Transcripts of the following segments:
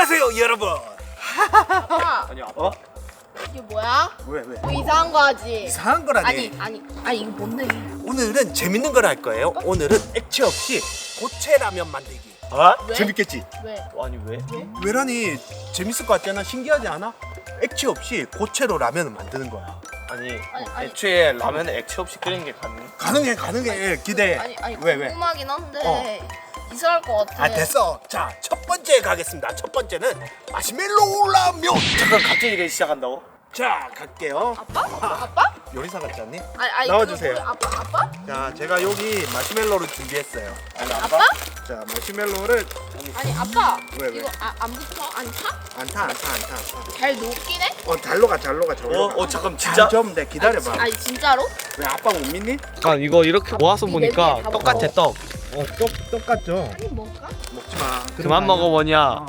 안녕하세요 여러분. 아빠, 아니 아빠? 이게 뭐야? 왜? 뭐 이상한 거 하지? 이상한 거라니. 아니 이거 뭔데? 오늘은 재밌는 걸 할 거예요. 오늘은 액체 없이 고체 라면 만들기. 어? 왜? 재밌겠지? 왜? 아니 왜? 왜라니 재밌을 것 같잖아. 신기하지 않아? 액체 없이 고체로 라면을 만드는 거야. 아니, 아니. 애초에 라면에 액체 없이 끓이는 게 가능? 가능해. 기대해. 아니 왜? 궁금하긴 한데 이상할 것 같아. 아 됐어. 자, 첫 번째 가겠습니다. 첫 번째는 마시멜로우 라면. 잠깐 갑자기 이래 시작한다고? 자, 갈게요. 아빠? 요리사 같지 않니? 아니 나와주세요. 그거 아빠? 자, 제가 여기 마시멜로를 준비했어요. 아니 아빠? 자, 마시멜로를 아니 아빠. 왜? 이거 안 붙어? 안 타? 안 타. 잘 녹긴 해? 잘로 가. 잠깐 진짜? 좀 내 기다려봐. 아니 진짜로? 왜 아빠 못 믿니? 아 이거 이렇게 모아서 보니까 다 똑같아 떡. 똑같죠. 아니 먹을까? 먹지 마. 그만 먹어 뭐냐.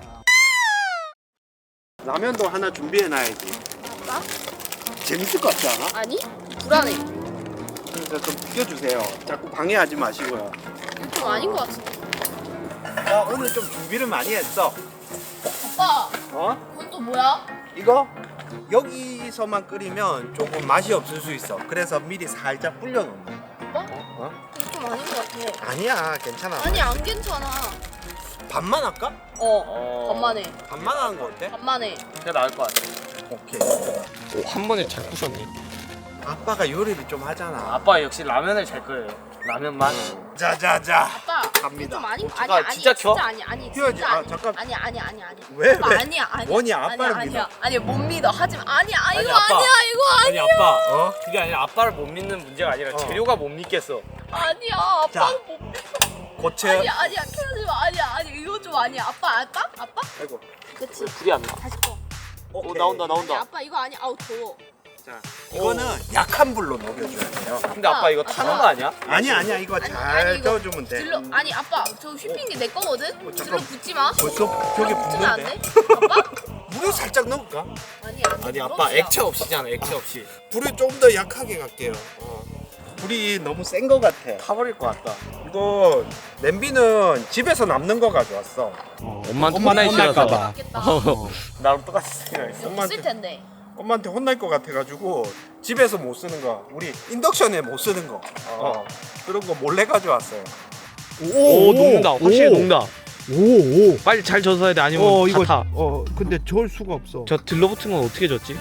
라면도 하나 준비해놔야지. 아빠? 재밌을 것 같지 않아? 아니 불안해. 그러니까 좀 비켜주세요. 자꾸 방해하지 마시고요. 이거 좀 아닌 것 같은데. 오늘 좀 준비를 많이 했어. 아빠 그건 또 뭐야? 이거 여기서만 끓이면 조금 맛이 없을 수 있어. 그래서 미리 살짝 불려놓는 거야. 아빠? 이거 좀 아닌 것 같아. 아니야, 괜찮아. 아니 안 괜찮아. 반만 할까? 반만해. 반만 하는 거 어때? 반만해. 그게 나을 것 같아. 오케이. 오, 한 번에 잘 부셨네. 아빠가 요리를 좀 하잖아. 아빠 역시 라면을 잘 끓여요. 라면만. 자자자. 아빠 갑니다. 좀 아닌 잠깐, 아니 진짜 켜? 진짜 아니 켜야지. 진짜 아, 아니. 잠깐. 아니 왜? 아빠, 왜? 아니야 뭐니, 아빠를 아니야 아니 못 믿어 하지마 아니야 아니, 이거 아빠. 아니야 이거 아니 아빠 그게 아니라 아빠를 못 믿는 문제가 아니라 재료가 못 믿겠어. 아니야 자. 아빠는 못 믿어 고체. 아니야 켜지 마 아니 이거 좀 아니야 아빠 아이고. 그치 불이 안 나. 다시 꺼 오 나온다 아니 나온다. 아빠 이거 아니야 아우 더워 자, 이거는 약한 불로 녹여줘야 돼요. 근데 아빠 이거 타는 거 아니야? 아니야, 이거 아니, 잘 아니, 이거 저어주면 돼. 들러 아니 아빠 저 휘핑기 내 거거든 잠깐. 들러 붙지 마 벌써 벽에 붙으면 안 붙는데? 돼? 아빠? 물을 살짝 넣을까? 아니 안 돼. 아니 아빠 부러지야. 액체 없이잖아 액체 없이. 불을 좀 더 약하게 갈게요. 불이 너무 센 거 같아. 타버릴 것 같다. 이거 냄비는 집에서 남는 거 가져왔어. 엄마한테 혼나기 싫어서. 맞겠다 나랑 똑같이 생각했어. 여기 있을 텐데 엄마한테 혼날 것 같아가지고 집에서 못 쓰는 거, 우리 인덕션에 못 쓰는 거, 그런 거 몰래 가져왔어요. 오 녹는다. 확실히 녹는다. 오. 빨리 잘 젖어야 돼 아니면 이거 다 타. 근데 저을 수가 없어. 저 들러붙은 건 어떻게 젖지?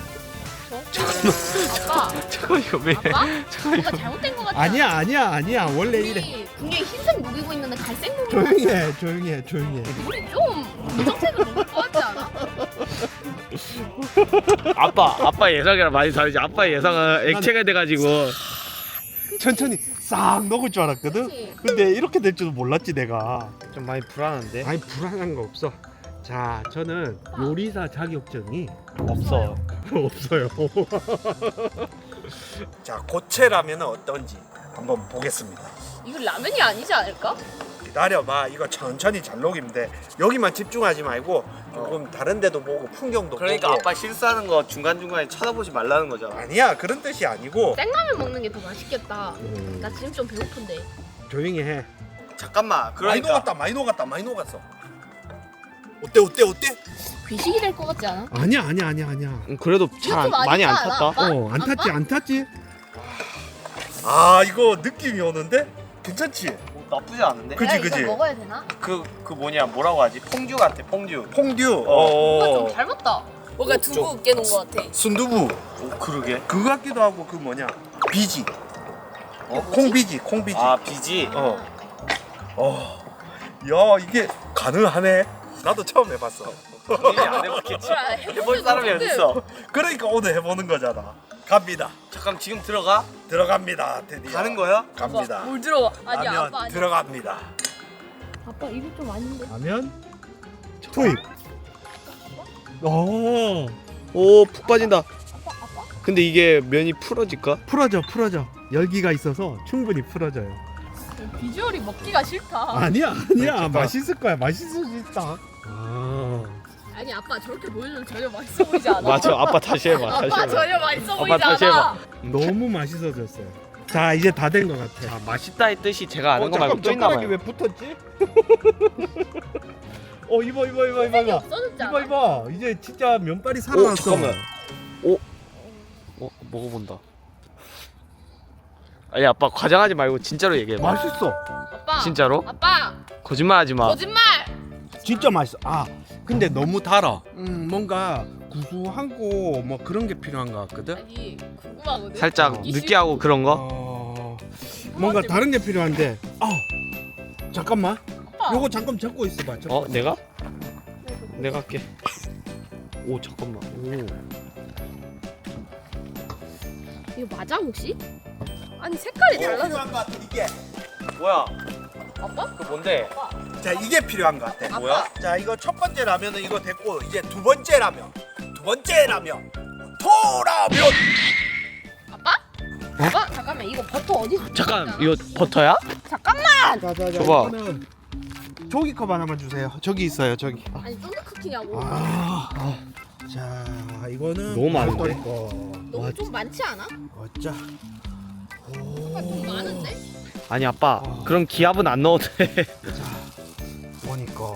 아빠 잠깐 이거 왜? 아빠? 잠깐 뭔가 이거. 잘못된 것 같아 아니야. 원래 이래. 우리 분명히 흰색 녹이고 있는데 갈색 녹이고 조용히 해. 우리 좀 검정색을 녹일 것 같지 않아? 아빠 예상이랑 많이 다르지. 아빠 예상은 액체가 돼가지고. 천천히 싹 녹을 줄 알았거든. 그치? 근데 이렇게 될 줄도 몰랐지 내가. 좀 많이 불안한데. 아니 불안한 거 없어. 자, 저는 요리사 자격증이 없어. 없어요. 자, 고체라면은 어떤지 한번 보겠습니다. 이거 라면이 아니지 않을까? 기다려봐. 이거 천천히 잘 녹이면 돼. 여기만 집중하지 말고 조금 다른 데도 보고 풍경도 그러니까 보고. 아빠 실수하는 거 중간 중간에 쳐다보지 말라는 거잖아. 아니야, 그런 뜻이 아니고. 생라면 먹는 게 더 맛있겠다 나 지금 좀 배고픈데 조용히 해. 잠깐만. 그러니까 많이 녹았어. 어때? 귀식이 될 것 같지 않아? 아니야. 그래도 잘 이거 좀 많이 안 아니지 않아, 탔다. 아빠? 안 탔지. 아, 이거 느낌이 오는데? 괜찮지? 나쁘지 않은데? 그치, 내가 그치. 이걸 먹어야 되나? 그 뭐냐 뭐라고 하지? 퐁듀 같아 퐁듀. 퐁듀. 뭔가 좀 닮았다 뭔가 좀- 두부 으깨 놓은 것 같아 순두부. 오 그러게. 그거 같기도 하고 그 뭐냐? 비지. 콩비지. 아 비지. 야, 이게 가능하네. 나도 처음 해봤어. 본인이 안 해봤겠지. 그래, 해볼 사람이 해보지, 어딨어? 그러니까 오늘 해보는 거잖아. 갑니다. 잠깐 지금 들어가? 들어갑니다. 드디어. 가는 거야? 갑니다. 뭘 들어가 아니야 라면 아빠 아니야 들어갑니다. 아빠 이거 좀 아닌데 라면 투입. 오 푹 빠진다. 근데 이게 면이 풀어질까? 풀어져. 열기가 있어서 충분히 풀어져요. 비주얼이 먹기가 싫다 아니야. 잠깐. 맛있을 거야. 맛있을 수 있다. 아니 아빠 저렇게 보여주면 전혀 맛있어 보이지 않아 맞아. 아빠 다시 해봐. 다시 아빠 해봐. 전혀 맛있어 아빠 보이지 다시 않아 너무 맛있어졌어요. 자, 이제 다 된 것 같아. 맛있다의 뜻이 제가 아는 거 말고 잠깐 또 있나 젓가락이 봐요. 왜 붙었지? 이봐 색이 없어졌지 않아? 이봐 이제 진짜 면발이 살아났어. 잠깐만. 먹어본다. 아니 아빠 과장하지 말고 진짜로 얘기해. 맛있어. 아빠. 진짜로? 아빠. 거짓말하지 마. 거짓말. 진짜 맛있어. 근데 너무 달아. 뭔가 구수하고 뭐 그런 게 필요한 것 같거든. 아니 궁금하거든. 살짝 느끼하고 그런 거? 뭔가 다른 게 필요한데. 잠깐만. 아빠. 요거 잠깐 적고 있어봐. 내가? 내가 할게. 오 잠깐만. 이거 맞아 혹시? 아니 색깔이 달라져. 필요한 것 같아 이게. 뭐야? 아빠? 그 뭔데? 자 이게 필요한 것 같아. 뭐야? 자 이거 첫 번째 라면은 이거 됐고 이제 두 번째 라면. 두 번째 라면. 토라면. 아빠? 아빠 잠깐만 이거 버터 어디서? 잠깐 이거 버터야? 잠깐만. 자자자. 줘봐. 이거는 조기컵 하나만 주세요. 저기 있어요. 저기. 아니 쫀득 쿠키냐고. 자 이거는 너무 많은데? 너무 좀 많지 않아? 어짜. 아빠 좀 많은데? 아니 아빠 그럼 기압은 안 넣어도 돼. 보니까.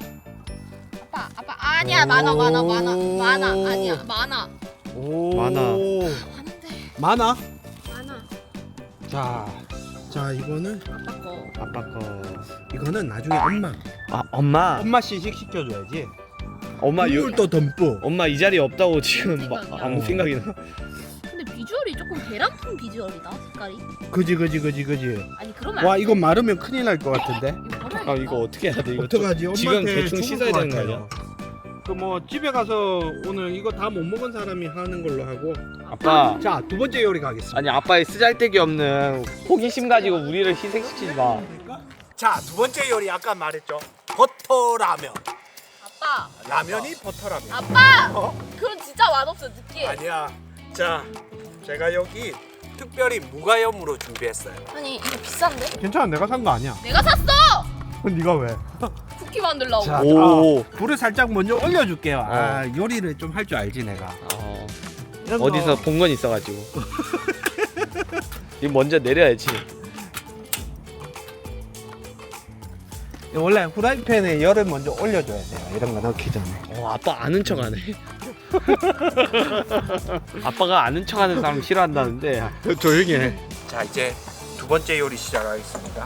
아빠 아니야 많아 아니야 많아 많아. 많은데 많아? 많아. 자 이거는 아빠 거. 아빠 거. 이거는 나중에 엄마. 엄마 시식 시켜줘야지. 엄마 국물도 듬뿍. 엄마 이 자리에 없다고 지금 아무 생각이 나. 근데 비주얼이 조금 계란통 비주얼이다 색깔이. 그지. 아니 그러면 와 안 돼. 이거 마르면 큰일 날 것 같은데. 이거 버려야겠다. 이거 어떻게 해야 돼? 이거 어떡하지? 지금 엄마한테 대충 죽을 씻어야 것 되는 거 같아요. 아니야? 그 뭐 집에 가서 오늘 이거 다 못 먹은 사람이 하는 걸로 하고. 아빠. 자 두 번째 요리 가겠습니다. 아니 아빠의 쓰잘데기 없는 호기심 가지고 우리를 희생시키지 마. 자 두 번째 요리 아까 말했죠. 버터라면. 아빠 라면이 버터라면. 아빠 어? 그건 진짜 맛없어 느끼해. 아니야. 자 제가 여기 특별히 무가염으로 준비했어요. 아니 이거 비싼데? 괜찮아 내가 산 거 아니야. 내가 샀어. 네가 왜? 쿠키 만들려고. 자, 오. 불을 살짝 먼저 올려줄게요. 요리를 좀 할 줄 알지 내가. 이런 거- 어디서 본 건 있어가지고. 이거 먼저 내려야지. 원래 후라이팬에 열을 먼저 올려줘야 돼요. 이런 거 넣기 전에. 아빠 아는 척하네. 아빠가 아는 척하는 사람 싫어한다는데 조용히 해. 자 이제 두 번째 요리 시작하겠습니다.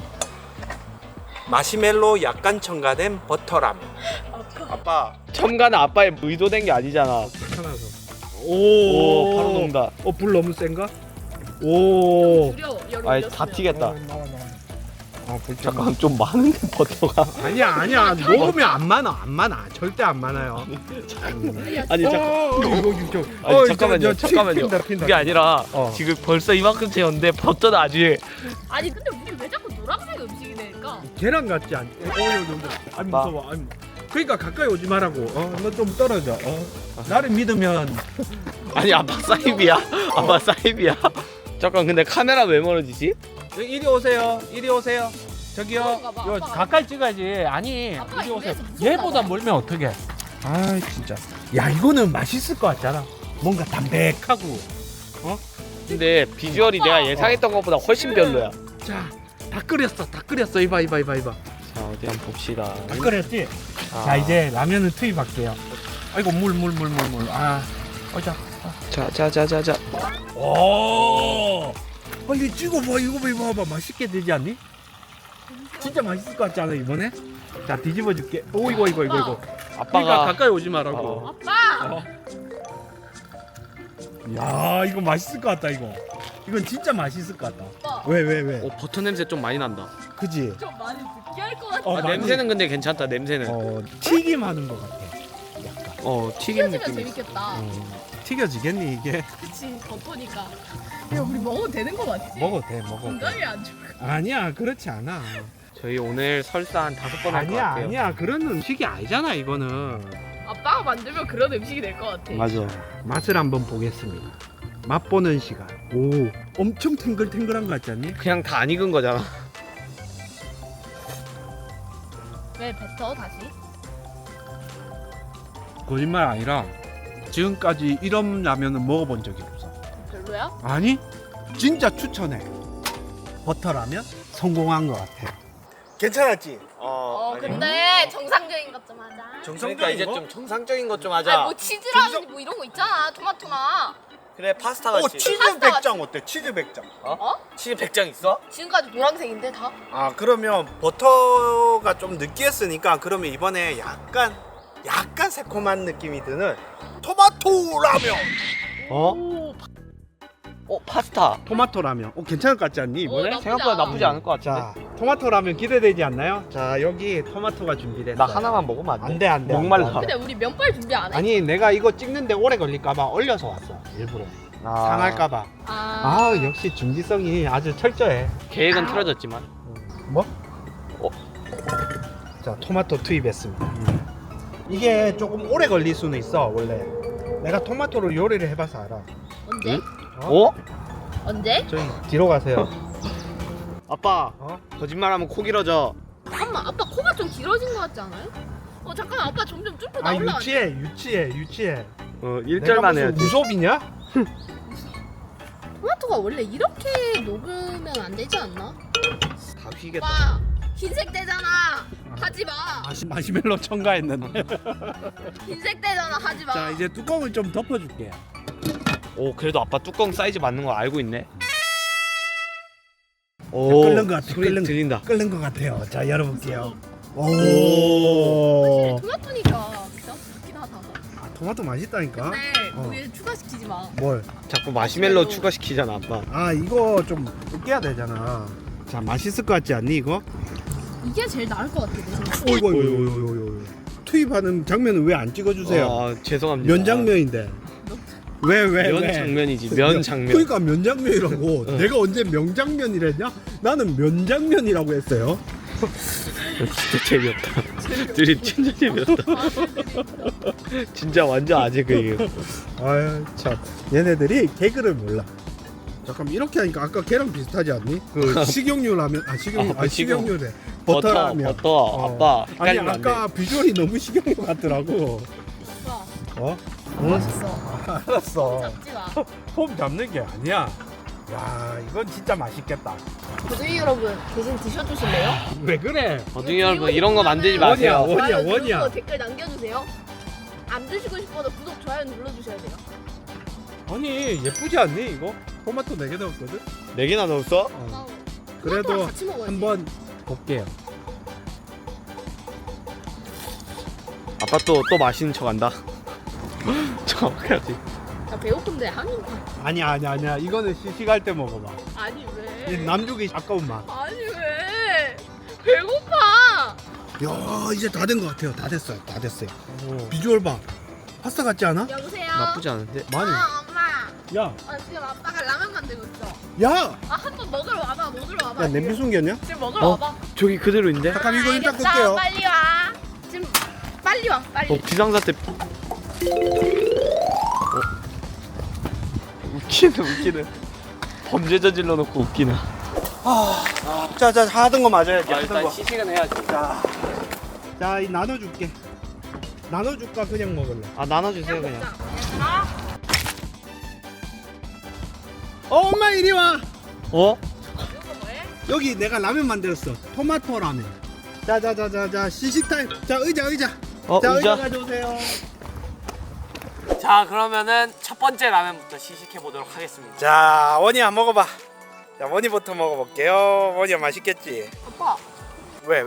마시멜로 약간 첨가된 버터라면. 아빠 첨가는 아빠의 의도된 게 아니잖아. 하나서. 오 바로 녹는다. 불 너무 센가? 오. 두려워. 열을 아이 올렸으면. 다 튀겠다. 불 잠깐 좀 많은데 버터가. 아니야 녹으면 안 많아 절대 안 많아요. 아니 잠깐만요. 핀다. 그게 아니라 어. 지금 벌써 이만큼 채웠는데 버터 나중에. 아니 근데 우리 왜 자꾸 노란색 음식이 되니까? 계란 같지 않? 아니 무서워. 아니, 그러니까 가까이 오지 말라고. 너 좀 떨어져. 나를 믿으면. 아니 아빠 사이비야. 아빠 사이비야. 잠깐 근데 카메라 왜 멀어지지? 이리 오세요. 저기요. 그런가 봐, 요 아빠가. 가까이 찍어야지. 아니 아빠가 이리 오세요. 입에서 무섭다 얘보다 봐. 멀면 어떡해? 아 진짜. 야 이거는 맛있을 것 같잖아. 뭔가 담백하고. 근데 비주얼이 내가 예상했던 것보다 훨씬 별로야. 자, 다 끓였어. 이봐. 자 어디 한번 봅시다. 다 끓였지? 자 이제 라면을 투입할게요. 아이고 물. 자. 자자자자자. 오. 빨리 찍어봐. 이거 봐봐. 맛있게 되지 않니? 진짜 맛있을 것 같지 않아 이번에? 자 뒤집어줄게. 오 이거. 그러니까 아빠가 가까이 오지 말라고. 어. 아빠. 야 이거 맛있을 것 같다 이거. 이건 진짜 맛있을 것 같다. 아빠. 왜? 버터 냄새 좀 많이 난다. 그지? 좀 많이 느끼할 것 같아. 어, 냄새는 근데 괜찮다. 냄새는. 튀김하는 것 같아. 튀김 튀겨지면 느낌. 재밌겠다. 튀겨지겠니 이게? 그치 버터니까. 야 우리 먹어도 되는 거 맞지? 먹어도 돼. 건강에 안 좋을 것 같아. 아니야 그렇지 않아. 저희 오늘 설사 한 5번 할 것 같아요. 아니야 그런 음식이 아니잖아 이거는. 아빠가 만들면 그런 음식이 될 것 같아. 맞아. 맛을 한번 보겠습니다. 맛보는 시간. 오 엄청 탱글탱글한 것 같지 않니? 그냥 다 안 익은 거잖아. 왜 뱉어 다시? 거짓말 아니라 지금까지 이런 라면은 먹어본 적이 없어. 별로야? 아니 진짜 추천해. 버터라면 성공한 것 같아. 괜찮았지? 근데 정상적인 것 좀 하자. 정상적인 그러니까 이제 거? 좀 정상적인 것 좀 아니 하자. 뭐 치즈라든지 뭐 이런 거 있잖아. 토마토나. 그래 파스타 오 같이. 치즈 파스타 100장 어때? 치즈 100장. 치즈 100장 있어? 지금까지 노란색인데 다. 아 그러면 버터가 좀 느끼했으니까 그러면 이번에 약간 새콤한 느낌이 드는 토마토 라면. 파스타. 토마토 라면. 괜찮을 것 같지 않니 이번에? 나쁘지 생각보다 않아. 나쁘지 않을 것 같은데. 자, 토마토 라면 기대되지 않나요? 자, 여기 토마토가 준비됐어요. 나 하나만 먹으면 안 돼? 안 돼. 목말라. 근데 우리 면발 준비 안 해? 아니, 내가 이거 찍는데 오래 걸릴까봐 얼려서 왔어. 일부러. 상할까봐. 아, 역시 준비성이 아주 철저해. 계획은 틀어졌지만. 뭐? 자, 토마토 투입했습니다. 이게 조금 오래 걸릴 수는 있어, 원래. 내가 토마토로 요리를 해봐서 알아. 언제? 언제? 저희 뒤로 가세요. 아빠 어? 거짓말하면 코 길어져. 잠깐만 아빠 코가 좀 길어진 것 같지 않아요? 잠깐만 아빠 점점 쭈뼛 아, 나올라. 유치해. 1절만 해야지. 무섭이냐? 토마토가 원래 이렇게 녹으면 안 되지 않나? 다 휘겠다. 오빠 흰색 되잖아. 하지 마. 마시멜로 첨가했는데. 흰색 되잖아. 하지 마. 자, 이제 뚜껑을 좀 덮어줄게. 오 그래도 아빠 뚜껑 사이즈 맞는 거 알고 있네. 끓는 것 같아. 소리 들린다. 끓는 것 같아요. 자, 열어볼게요. 사실 토마토니까 그렇긴 하다. 아, 토마토 맛있다니까. 근데 어. 우리 추가시키지 마. 뭘? 자꾸 마시멜로 추가시키잖아 아빠. 아, 이거 좀 으깨야 되잖아. 자, 맛있을 것 같지 않니 이거? 이게 제일 나을 것 같아 내 생각에. 오이고. 투입하는 장면은 왜 안 찍어주세요? 아, 죄송합니다. 면 장면인데. 왜? 면 장면이지. 면 장면. 그러니까 면 장면이라고. 내가 언제 명장면이랬냐? 나는 면 장면이라고 했어요. 진짜 재미없다. 드립 진짜 재미없다. 진짜 완전 아재 그 얘기. 아유 참, 얘네들이 개그를 몰라. 잠깐 이렇게 하니까 아까 걔랑 비슷하지 않니? 그 식용유 라면, 식용유래. 버터 라면. 버터. 아빠. 아니 헷갈리면 안 돼. 아까 비주얼이 너무 식용유 같더라고. 오빠 어? 맛있어. 알았어. 잡지 마. 폼 잡는 게 아니야. 야, 이건 진짜 맛있겠다. 고등이 여러분 대신 드셔주실래요? 왜 그래? 어중이 여러분 이런 거 만들지 마세요. 원이야. 누르고 댓글 남겨주세요. 안 드시고 싶어도 구독 좋아요 눌러주셔야 돼요. 아니 예쁘지 않니 이거? 토마토 4개 넣었거든? 4개나 넣었어? 그래도 토마토랑 같이 먹어야지. 한번 볼게요. 아빠 또 맛있는 척 한다. 정확하지. 나 배고픈데 한 입. 아니야. 이거는 시식할 때 먹어봐. 아니 이 왜? 남주기 아까운 맛. 아니 왜? 배고파. 야, 이제 다 된 것 같아요. 다 됐어요. 비주얼 봐. 파스타 같지 않아? 여보세요. 나쁘지 않은데? 많이. 엄마. 야, 지금 아빠가 라면 만들고 있어. 야, 한번 먹으러 와봐. 야 냄비 숨겼냐? 지금 먹으러 와봐. 저기 그대로인데? 잠깐 이거 일단 알겠어. 끌게요. 빨리 와. 지금 빨리 와. 빨리. 비상사태. 웃기네. 범죄 저질러 놓고 웃기네. 자, 하던 거 맞아야지. 하던 거. 시식은 해야지. 자, 이 나눠줄게. 나눠줄까 그냥 먹을래? 아 나눠주세요 그냥. 얘들아. 엄마 이리 와. 어? 이거 뭐해? 여기 내가 라면 만들었어. 토마토 라면. 자, 시식 타임. 자, 의자. 자, 의자 가져오세요. 자 그러면은 첫 번째 라면부터 시식해 보도록 하겠습니다. 자 원이야 먹어봐. 자 원이부터 먹어볼게요. 원이야 맛있겠지? 아빠. 왜?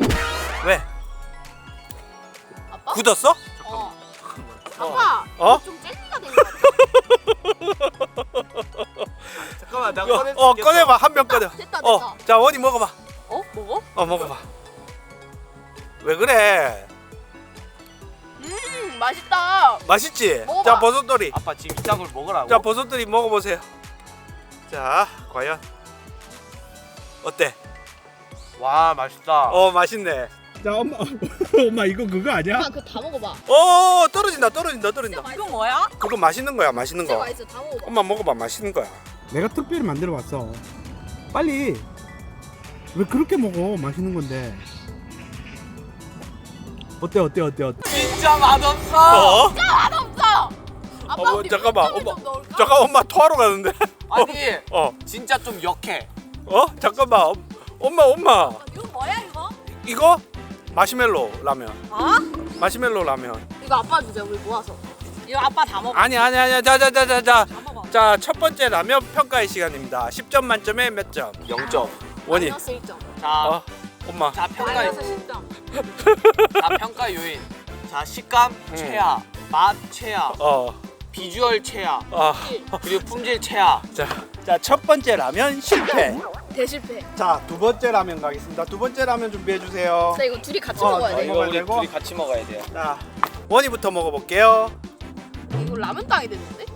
아빠? 굳었어? 아빠. 어? 좀 젤리가 된 것 같아. 잠깐만 내가 꺼내. 꺼내봐. 한 병 꺼내. 됐다. 자 원이 먹어봐. 먹어? 먹어봐. 왜 그래? 맛있다. 맛있지? 먹어봐. 자 버섯돌이. 아빠 지금 이딴 걸 먹으라고. 자 버섯돌이 먹어보세요. 자 과연 어때? 와 맛있다. 맛있네. 자, 엄마 이거 그거 아니야? 아빠 그거 다 먹어봐. 떨어진다. 이건 뭐야? 그거 맛있는 거야. 맛있는 진짜 거. 맛있어. 다 먹어봐. 엄마 먹어봐. 맛있는 거야. 내가 특별히 만들어 왔어. 빨리. 왜 그렇게 먹어? 맛있는 건데. 어때? 진짜 맛없어. 맛없어. 아빠 우리 잠깐만. 밀가루 좀 넣을까? 잠깐 엄마 토하러 가는데. 아니 진짜 좀 역해. 잠깐만. 엄마. 이거 뭐야 이거? 이거 마시멜로 라면. 어? 마시멜로 라면. 이거 아빠 주자 우리 모아서. 이거 아빠 다 먹어. 아니. 자, 먹어. 자, 첫 번째 라면 평가의 시간입니다. 10점 만점에 몇 점? 0점. 원희. 마이너스 1점. 자, 어, 엄마. 자 평가 마이너스 10점. 자 평가 요인. 자 식감 최하, 맛 최하, 어. 비주얼 최하, 아. 그리고 품질 최하. 자, 첫 번째 라면 실패. 대실패. 자, 두 번째 라면 가겠습니다. 두 번째 라면 준비해 주세요. 자 이거 둘이 같이 어, 먹어야 어, 돼. 이거 이거 우리 되고? 둘이 같이 먹어야 돼요. 자, 원희부터 먹어볼게요. 이거 라면 땅이 됐는데?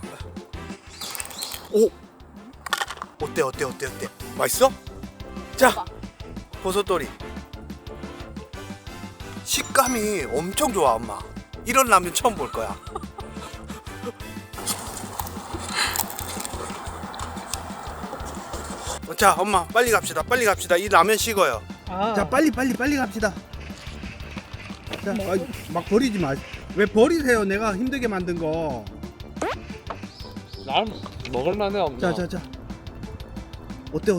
오. 어때? 맛있어? 자, 봐봐. 버섯돌이. 식감이 엄청 좋아, 엄마. 이런 라면 처음 볼 거야. 자, 엄마 빨리 갑시다. 이 라면 식어요. 자 빨리 갑시다. 자, 막 버리지 마. 왜 버리세요? 내가 힘들게 만든 거. 난 먹을만해 없나? 자. 어때?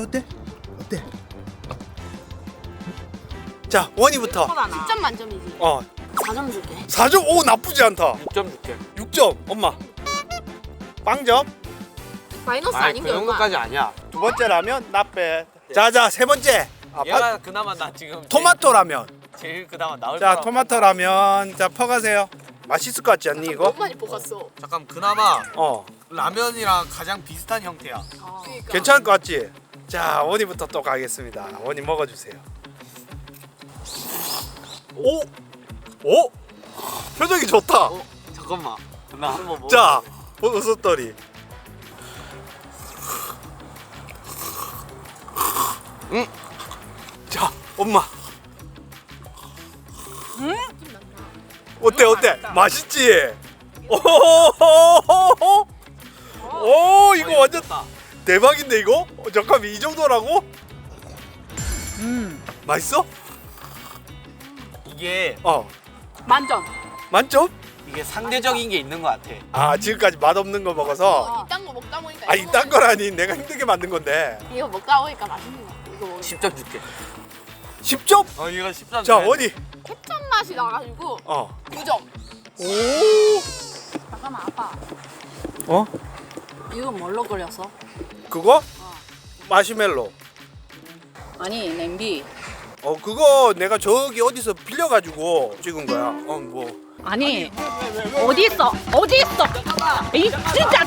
자, 원희부터. 10점 만점이지. 4점 줄게. 4점. 오, 나쁘지 않다. 6점 줄게. 6점. 엄마. 빵점. 마이너스 아니 아닌 그 게 얼마? 정도까지 아니야. 두 번째 라면 나빼. 자, 세 번째. 얘가 그나마 나 지금 토마토 라면. 제일 그나마 나을 자, 거라고. 토마토 라면. 자, 퍼가세요. 맛있을 것 같지 않니 이거? 너무 많이 볶았어. 잠깐 그나마 어. 라면이랑 가장 비슷한 형태야. 그러니까. 괜찮을 것 같지? 자, 원희부터 또 가겠습니다. 원희 먹어주세요. 오, 오, 표정이 좋다. 잠깐만. 나 한번 먹어. 자, 버섯돌이. 자, 엄마. 어때? 맛있지? 오, 이거 완전 대박인데 이거? 잠깐만, 이 정도라고? 맛있어? 이게 만점. 만점? 이게 상대적인 게 있는 것 같아. 아, 지금까지 맛없는 거 먹어서. 이딴 거 먹다 보니까. 아, 이거 이딴 거라니. 내가 힘들게 만든 건데. 이거 먹다 보니까 맛있는 거. 이거 먹으면 10점 줄게. 10점? 이거 10점. 자, 원희. 캡천 맛이 나가지고 9점. 오. 잠깐만 아빠. 어? 이거 뭘로 끓였어? 그거? 마시멜로. 아니 냄비 그거 내가 저기 어디서 빌려가지고 찍은 거야. 뭐. 아니 어디 있어 이 진짜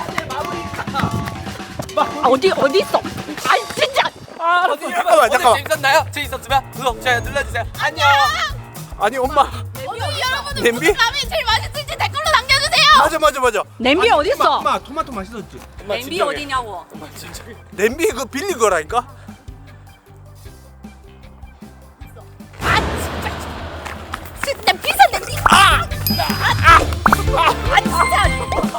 어디 있어 아니 진짜 잠깐만. 재밌었나요? 재밌었으면 구독, 좋아요 눌러주세요. 안녕. 아니, 엄마. 여러분들 냄비? 무슨 라면이 제일 맛있을지 댓글로 남겨주세요. 맞아. 냄비 어디 있어 엄마 토마토 맛있었지? 엄마, 냄비 진정해. 어디냐고 냄비 그거 빌린 거라니까? 진짜 비싼 냄비. 아 진짜.